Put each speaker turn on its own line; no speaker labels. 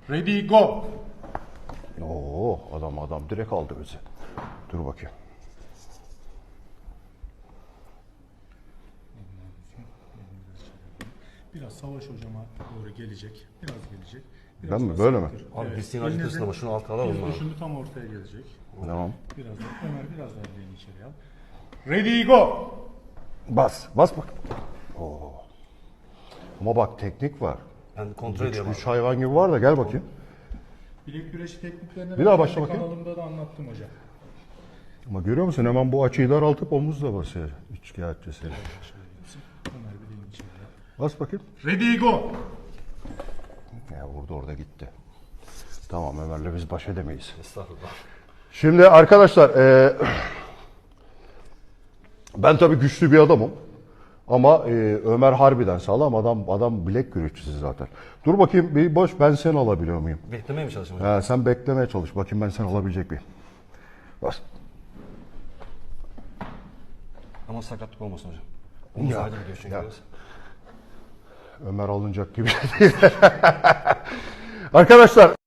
Ready, go.
Oo, adam direkt aldı bizi. Dur bakayım.
Biraz Savaş hocama doğru gelecek. Biraz gelecek.
Ben mi? Böyle mi?
Abi biz seni acıtırsın ama şunu alt alalım mı?
Şimdi tam ortaya gelecek.
Tamam.
Biraz da Ömer biraz daha elini içeri al. Ready, go.
Bas bak. Oo. Ama bak teknik var.
Ben kontrol ediyorum abi.
Üç hayvan gibi var da gel bakayım.
Bilek güreşi tekniklerini
Bir daha
ben
başla
kendi
bakayım.
kanalımda da anlattım hocam.
Ama görüyor musun hemen bu açıyı daraltıp omuzla basıyor. Üçkağıtçısı.
Şöyle yapsın. Ömer bileğini içeri al.
Bas bakayım.
Ready, go.
Ya vurdu orada gitti. Tamam Ömer'le biz baş edemeyiz.
Estağfurullah.
Şimdi arkadaşlar ben tabii güçlü bir adamım. Ama Ömer harbiden sağlam adam bilek güreşçisi zaten. Dur bakayım bir boş ben seni alabiliyor muyum?
Beklemeye mi çalışayım hocam?
Sen beklemeye çalış. Bakayım ben seni alabilecek miyim? Bas.
Ama sakatlık olmasın hocam.
Ya,
Omuz ayrı gidiyor çünkü
ya.
biraz.
Ömer alınacak gibi değil. Arkadaşlar